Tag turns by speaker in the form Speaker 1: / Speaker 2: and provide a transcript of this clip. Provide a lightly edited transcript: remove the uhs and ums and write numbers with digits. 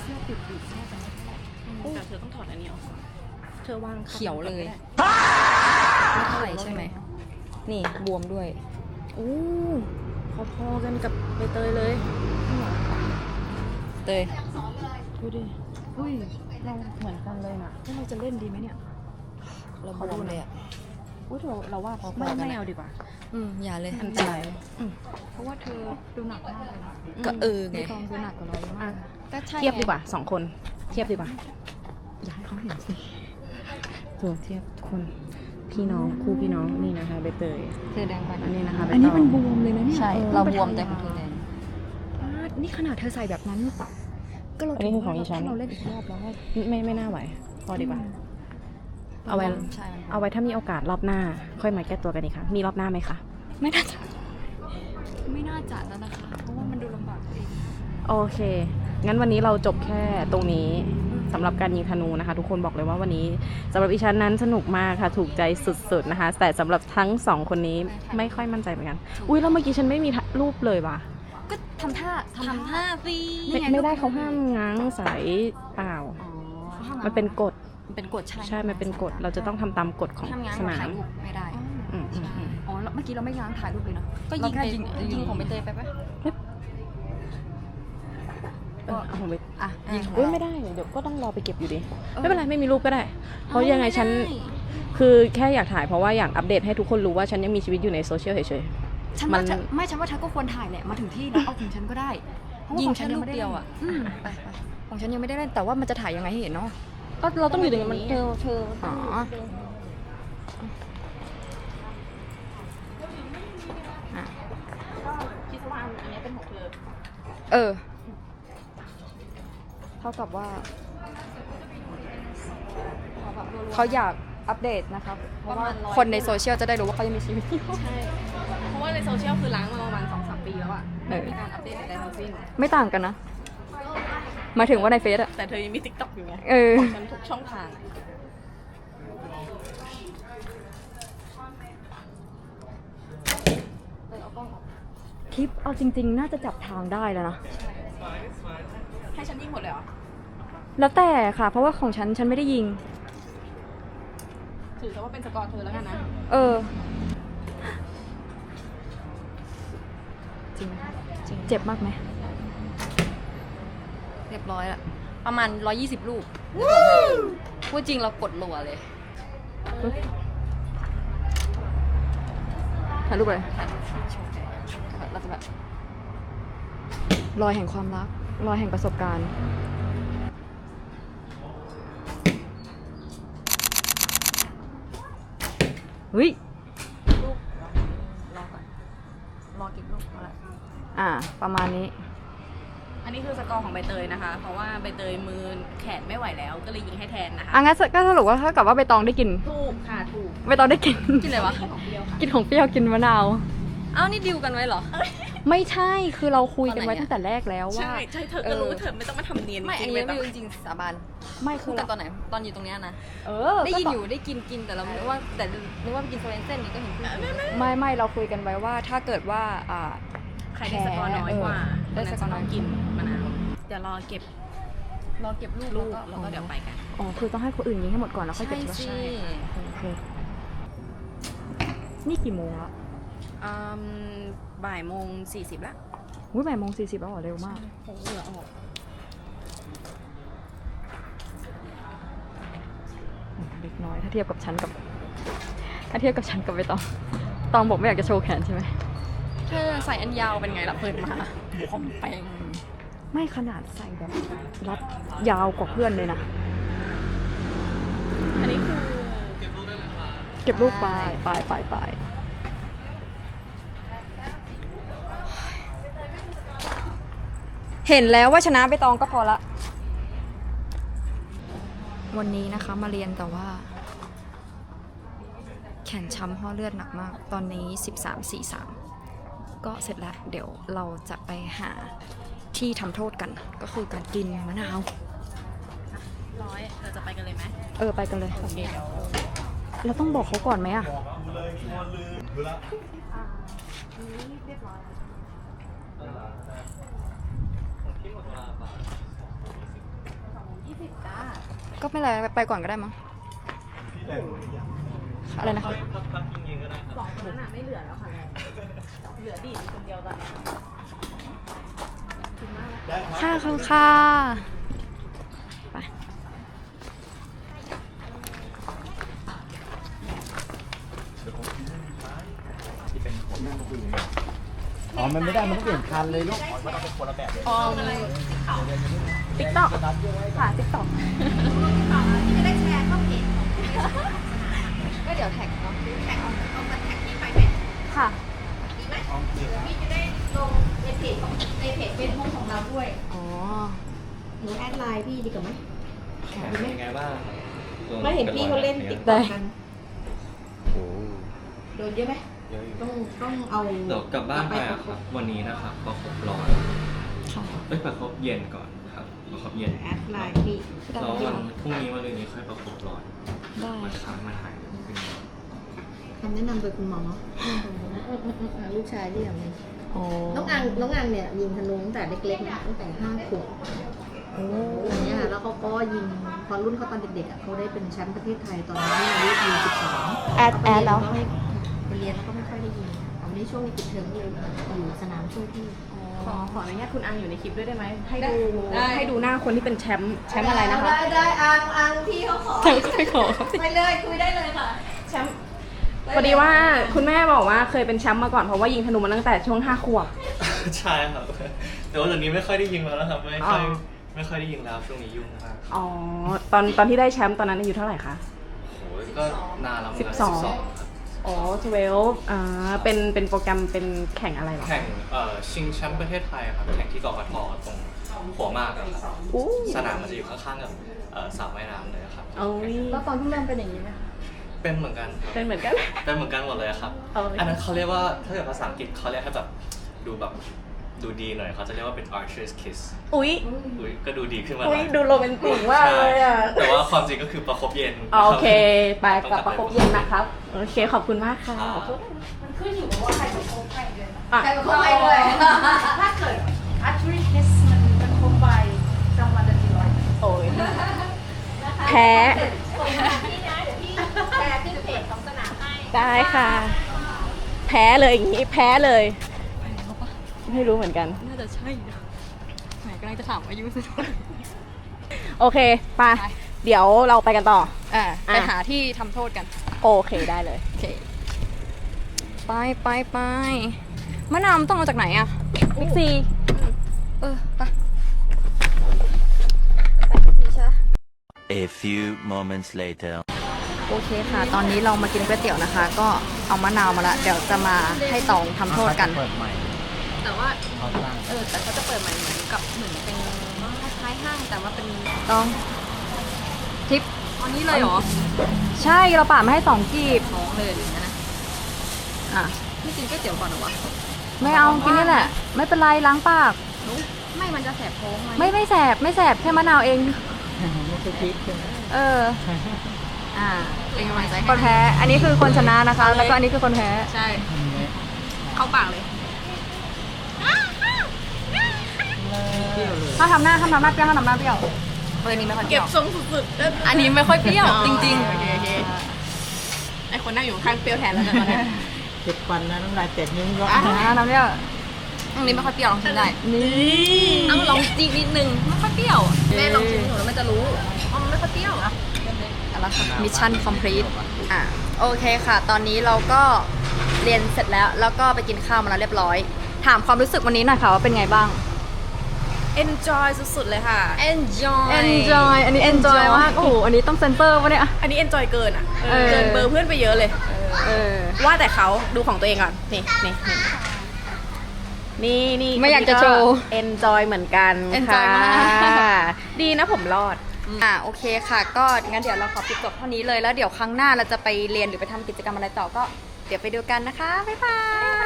Speaker 1: เสื้อปิดปิดแค่ตรงนี้แต่เธอต้องถอดอันนี้ออกเธอวาง
Speaker 2: เขียวเลยไม่เท่าไหร่ใช่ไหมนี่บวมด้วย
Speaker 1: อู้พอๆกันกับใบเตยเลย
Speaker 2: เตย
Speaker 1: ดูดิอุ้ยเราเหมือนกันเลยนะเราจะเล่นดีไหมเนี่ย
Speaker 2: เราบวมเลยอ่ะ
Speaker 1: อุ้ยเราว่าไม่เอาดีกว่า
Speaker 2: อย่าเลย
Speaker 1: อันตรายเพราะว่าเธอดูหนักมากเลย
Speaker 2: ก็ไง
Speaker 1: กองดูหนักกว่าเราเยอะมาก
Speaker 2: ก็
Speaker 1: เทียบดีกว่า2 คนเทียบดีกว่าอยากให้เขาเห็นสิตัวเทียบคนพี่น้องคู่พี่น้องนี่นะคะใบเตย
Speaker 2: เธอแดงไป
Speaker 1: อันนี้นะคะอันนี้มันบวมเลยนะเนี่ย
Speaker 2: ใช่เราบวมแต่ของเธอแดง
Speaker 1: นี่ขนาดเธอใส่แบบนั้นก็เราอันนี้คือของอีฉันเราเล่นอีกรอบแล้วไม่น่าไหวพอดีกว่าเอาไว้ถ้ามีโอกาสรอบหน้าค่อยมาแก้ตัวกันอีกค่ะมีรอบหน้าไหมคะ
Speaker 2: ไม่น่าจะแล้วนะคะเพราะว่ามันดูลำบากเอง
Speaker 1: โอเคงั้นวันนี้เราจบแค่ตรงนี้สำหรับการยิงธนูนะคะทุกคนบอกเลยว่าวันนี้สำหรับอีฉันนั้นสนุกมากค่ะถูกใจสุดๆนะคะแต่สำหรับทั้ง2คนนี้ไม่ค่อยมั่นใจเหมือนกันอุ้ยแล้วเมื่อกี้ฉันไม่มีรูปเลยว่ะ
Speaker 2: ก็ทำท่าสิ
Speaker 1: ไม่ได้เขาห้ามง้างสายเปล่ามันเป็นกฎใช่มันเป็นกฎเราจะต้องทำตามกฎของสนาม
Speaker 2: ถ่ายรูปไม่ได้อ๋อเมื่อกี้เราไม่ง้างถ่ายรูปเลยนะก็ยิงของใบเตยไปปะ
Speaker 1: ของเบยิงไม่ได้เดี๋ยวก็ต้องรอไปเก็บอยู่ดีไม่เป็นไรไม่มีรูปก็ได้เพราะยังไงฉันคือแค่อยากถ่ายเพราะว่าอยากอัปเดตให้ทุกคนรู้ว่าฉันยังมีชีวิตอยู่ในโซเชียลเฉย
Speaker 2: ๆฉันว่าเธอก็ควรถ่ายแหละมาถึงที่แล้วเอาของฉันก็ได้ยิงแค่รูปเดียวอ่ะของฉันยังไม่ได้เล่นแต่ว่ามันจะถ่ายยังไงให้เห็นเนาะ
Speaker 1: ก็เราต้องอยู่ตรงนี้เธอคิดว่าอันนี้เป็นของเธอ
Speaker 2: เท่ากับว่าเขาอยากอัปเดตนะครับเพราะว่าคนในโซเชียลจะได้รู้ว่าเขายังมีชีวิตอยู่
Speaker 1: ใช่เพราะว่าในโซเชียลคือล้างมาประมาณ 2-3 ปีแล้วอ่ะไม่มีการอัปเดตอะไรทั้งสิ้น
Speaker 2: ไม่ต่างกันนะมาถึงว่าในเฟซอะ
Speaker 1: แต่เธอยังมี TikTok อยู่ไงฉันทุกช่องทาง
Speaker 2: คลิปเอาจริงๆน่าจะจับทางได้แล้วนะ
Speaker 1: ให้ฉันยิงหมดเลยเหรอ
Speaker 2: แล้วแต่ค่ะเพราะว่าของฉันไม่ได้ยิง
Speaker 1: ถือซะว่าเป็นสกอร์เธอแล้วกันนะ
Speaker 2: จริงเจ็บมากไหมเรียบร้อยละประมาณ120ลูกพูดจริงเรากดรัวเลยถ่ายรูปเลยเราจะแบบรอยแห่งความรักรอยแห่งประสบการณ์เฮ้ยลูกรอก่อนรอเก็บลูกอะไรประมาณนี้
Speaker 1: อันนี้คือสกอร์ของใบเตยนะคะเพราะว่าใบเตยมือแขนไม่ไหวแล้วก็เลยยิงให้แทนนะคะ
Speaker 2: งั้นก็สรุปว่าถ้ากับว่าใบตองได้กิน
Speaker 1: ถูกค่ะถูก
Speaker 2: ใบตองได้กิน
Speaker 1: อะไรวะ
Speaker 2: กินของเปรี้ยวกินมะนาวนี่ดิวกันไว้เหรอไม่ใช่คือเราคุยกันไว้ตั้งแต่แรกแล้วว่า
Speaker 1: ใช่เธอก็รู้เธอไม่ต้องมาทำเนียน
Speaker 2: ไม่อันนี้ไม่รู้จริงสาบาน
Speaker 1: ไม่คือ
Speaker 2: กันตอนไหนตอนอยู่ตรงนี้นะได้ยินอยู่ได้กินแต่เราไม่ว่าแต่นึกว่าไปกินโซเอนเซ่นนี่ก็เห็นไม่เราคุยกันไว้ว่าถ้าเกิดว่า
Speaker 1: ใครได้สกอร์น้อยกว่าได้สกอร์น้อยกินมะนาวเดี๋ยวรอเก็บลูกแล้วก็เดี๋ยวไปกัน
Speaker 2: คือต้องให้คนอื่นยิงให้หมดก่อนแล้วค่อยเก็บ
Speaker 1: ใช่
Speaker 2: นี่กี่โมงละ
Speaker 1: 13:40ละ
Speaker 2: 13:40แล้วเร็วมาก
Speaker 1: เหงื่อออก
Speaker 2: เล็กน้อยถ้าเทียบกับฉันกับใบตองบอกไม่อยากจะโชว์แขนใช่ไหม
Speaker 1: เธอใส่อันยาวเป็นไงล่ะเปิดมาคอมแปง
Speaker 2: ไม่ขนาดใส่แบบรัดยาวกว่าเพื่อนเลยนะ
Speaker 1: อันนี้คือ
Speaker 2: เก็บลูกไปเห็นแล้วว่าชนะใบตองก็พอละวันนี้นะคะมาเรียนแต่ว่าแขนช้ำห่อเลือดหนักมากตอนนี้13:43ก็เสร็จแล้วเดี๋ยวเราจะไปหาที่ทำโทษกันก็คือการกินมะนาว
Speaker 1: เราจะไปกันเลยไหม
Speaker 2: ไปกันเลยเราต้องบอกเขาก่อนไหมก็ไม่เป็นไรไปก่อนก็ได้มั้งอะไรนะคะ
Speaker 1: สองคนนั้นน่ะไม่เหลือแล้วค่ะเหลือดีคนเดียวตอนนี้
Speaker 2: ค่ะคุณค่ะไป
Speaker 3: อ๋อ มันไม่ได้ มันต้องเปลี่ยนคันเลยลูก
Speaker 1: ติ๊กต็อกค่ะติ๊กต็อก
Speaker 2: จะได้แชร์เข้าเพจก็เดี๋ยวแท็กเนาะแท็กเอามาแท็กที่ไปเพจ
Speaker 1: ค่ะ
Speaker 2: ดีไหมพี่จะได้ลงในเพจของในเพจเฟซบุ๊กของเราด้วย
Speaker 1: อ๋อ
Speaker 2: หนูแอดไลน์พี่ดีกว่าไหม
Speaker 4: เป็นยังไงบ้าง
Speaker 2: ไม่เห็นพี่เขาเล่นติ๊ก
Speaker 1: ได้
Speaker 2: ต็อกกัน
Speaker 4: โอ้
Speaker 2: โดนเยอะไหม
Speaker 4: เยอะอยู่
Speaker 2: ต้องเอา
Speaker 4: เดี๋ยวกลับบ้านไป
Speaker 2: ป
Speaker 4: อะครับ วันนี้นะครับประคบร้อน
Speaker 2: ค่ะ
Speaker 4: ประคบเย็นก่อนครับประคบเย็น
Speaker 2: แอดไลน์พี่
Speaker 4: แล้ววันพรุ่งนี้วันอื่นนี้ค่อยประคบร้อน
Speaker 2: ได้
Speaker 4: มันค้างมันหายขึ้น
Speaker 5: คำแนะนำโดยคุณหมอลูกชายที่อย่างนี้
Speaker 2: โอ้
Speaker 5: น้องอังเนี่ยยิงธนูตั้งแต่เล็กๆนะตั้งแต่5 ขวบอย่างเงี้ยค่ะแล้วเขาก็ยิงพอรุ่นเขาตอนเด็กๆอ่ะเขาได้เป็นแชมป์ประเทศไทยตอนนั้นอายุ12
Speaker 2: แอดแล้ว
Speaker 5: ไปเรียนแล้วก็ไม่ค่อยได้ยิงตอนนี้ช่วงนี้ปิดเทอมก็เลยอยู่สนามช่วยพี่
Speaker 1: ขออนุญาตคุณอังอยู่ในคลิปด้วยได้ไหมให้ดูหน้าคนที่เป็นแชมป์อะไรนะคะ
Speaker 5: ได้อังพี่เขาขอ
Speaker 2: ไม่ขอ
Speaker 5: ไปเลยคุยได้เลยค่ะ
Speaker 1: แชมป์พอดีว่าคุณแม่บอกว่าเคยเป็นแชมป์มาก่อนเพราะว่ายิงธนูมาตั้งแต่ช่วง5 ขวบ
Speaker 4: ใช่ครับ แต่ว่าเดี๋ยวนี้ไม่ค่อยได้ยิงแล้วนะครับ
Speaker 1: อ๋อ
Speaker 4: ไม่ค่อยได้ยิงแล้วช่วงนี้ยุ่งมาก
Speaker 1: อ๋อตอนที่ได้แชมป์ตอนนั้นอายุเท่าไหร่คะ
Speaker 4: โอ้ยก็นานแล้วเหมือนกัน
Speaker 1: 12
Speaker 4: ครับ
Speaker 1: อ๋อ12เป็นโปรแกรมเป็นแข่งอะไรเหรอ
Speaker 4: แข่งชิงแชมป์ประเทศไทยครับแข่งที่กกทตรงหัวหมากอะครับ
Speaker 1: อู้
Speaker 4: สนามมันจะอยู่ข้างๆกับสระว่ายน้ำเลยครับ
Speaker 1: โอ้ย
Speaker 2: แล้วตอนที่เริ่มเป็นอย่างนี้ไหมคะ
Speaker 4: เป็นเหมือนกันครับ
Speaker 1: เป็นเหมือนกัน
Speaker 4: เป็นเหมือนกันหมดเลยครับ
Speaker 1: เอาเลย
Speaker 4: อันนั้นเขาเรียกว่าถ้าเกิดภาษาอังกฤษเขาเรียกให้แบบดูดีหน่อยเขาจะเรียกว่าเป็น archer's kiss
Speaker 1: อุ๊ย
Speaker 4: อุ๊ยก็ดูดีขึ้นมาห
Speaker 1: อุ๊
Speaker 4: น่
Speaker 1: ย
Speaker 4: อย
Speaker 1: ดูโรแมนติกมากเลยอ่ะ
Speaker 4: ใช่แต่ว่าความจริงก็คือประคบเย็น
Speaker 1: โอเค ไป
Speaker 4: ต้
Speaker 1: กลั
Speaker 4: อบ ง
Speaker 1: ประคบเย็นนะครับ โอเค ขอบคุณมากค่ะ
Speaker 4: ครับ
Speaker 1: ขอโทษ
Speaker 2: มันขึ้นอยู่กับว่าใครประคบใครเลยนะ
Speaker 1: อ่ะ
Speaker 5: ใครเป็นคนไปด้วย
Speaker 2: ถ้าเกิด archery kiss มันประคบไปรางวัลจะกี่ร้อย
Speaker 1: โอ้ยแพ้
Speaker 5: พี่นะเดี๋ยวพี่แชร์ขึ้นเพจของสนามให้
Speaker 1: ได้ค่ะ แพ้เลยอย่างนี้แพ้เลย ไม่รู้เหมือนกัน
Speaker 2: น่าจะใช่นะไหนกำลังจะถามอายุสิ
Speaker 1: โอเคไปเดี๋ยวเราไปกันต่อ
Speaker 2: ไปหาที่ทำโทษกัน
Speaker 1: โอเคได้เลย
Speaker 2: โอเค ไปมะนาวมันต้องเอาจากไหนอะ
Speaker 1: บิ๊กซี
Speaker 2: ไป
Speaker 6: A few moments later.
Speaker 2: โอเคค่ะ ตอนนี้เรามากินก๋วยเตี๋ยวนะคะ ก็เอามะนาวมาละเดี๋ยวจะมาให้ตองทำโทษกัน
Speaker 3: เปิดใหม่
Speaker 2: แต่ว่า
Speaker 3: เขาสร้าง
Speaker 2: แต่เขาจะเปิดใหม่เหมือนเป็นคล้ายๆห้างแต่ว่าเป็นตองทิปอันนี้เลยเหรอ ใช่เราป่ามาให้2 กีบท้องเลยนะอ่ะไม่กินก๋วยเตี๋ยวก่อนเหรอวะไม่เอากินนี่แหละ ไม่เป็นไรล้างปากไม่มันจะแสบท้องไหมไม่แสบแค่มะนาวเอง
Speaker 3: ไม่ใช่พริกใช่ไหม
Speaker 2: เป็นกำลังใจคนแพ้ อันนี้คือคนชนะนะคะ แล้วก็อันนี้คือคนแพ้ ใช่ เข้าปากเลย ถ้าทำหน้าเปรี้ยวถ้าทำหน้าเปรี้ยวอันนี้ไม่ค่อยเปรี้ยว
Speaker 1: เก็บทรงสุดๆ
Speaker 2: อันนี้ไม่ค่อยเปรี้ยว จริง
Speaker 1: โอเคไอคนนั่งอยู่ข้างเปรี้ยวแทนแล้วกันตอนนี้
Speaker 3: เจ็ดฟันนะน้ำลายแตกนิ้วก็
Speaker 2: ๆน้ำเปรี้ยวอันนี้ไม่ค่อยเปรี้ยวลองชิมได้
Speaker 1: นี่
Speaker 2: ต้องลองจิ้มนิดนึงไม่ค่อยเปรี้ยวแม่ลองชิมหนูแล้วมันจะรู้อ๋อมันไม่ค่อยเปรี้ยวอะแล้วมิชชั่นคอมพลีทโอเคค่ะ ตอนนี้เราก็เรียนเสร็จแล้วก็ไปกินข้าวมาแล้วเรียบร้อย ถามความรู้สึกวันนี้หน่อยค่ะว่าเป็นไงบ้าง
Speaker 1: enjoy สุดๆเลยค่ะ
Speaker 2: enjoy อันนี้ enjoy มากโอ้โหอันนี้ต้องเซนเซอร์ปะเนี่ย
Speaker 1: อันนี้ enjoy เกินอ่ะ
Speaker 2: เออ
Speaker 1: เกินเบอร์เพื่อนไปเยอะเลย
Speaker 2: เออ
Speaker 1: ว่าแต่เขาดูของตัวเองก่อน นี่
Speaker 2: ไม่อยากจะโชว์
Speaker 1: enjoy เหมือนกัน
Speaker 2: enjoy มาก
Speaker 1: ค่ะดีนะผมรอด
Speaker 2: โอเคค่ะ ก็งั้นเดี๋ยวเราขอปิดจบเท่านี้เลยแล้วเดี๋ยวครั้งหน้าเราจะไปเรียนหรือไปทำกิจกรรมอะไรต่อก็เดี๋ยวไปดูกันนะคะบ๊ายบาย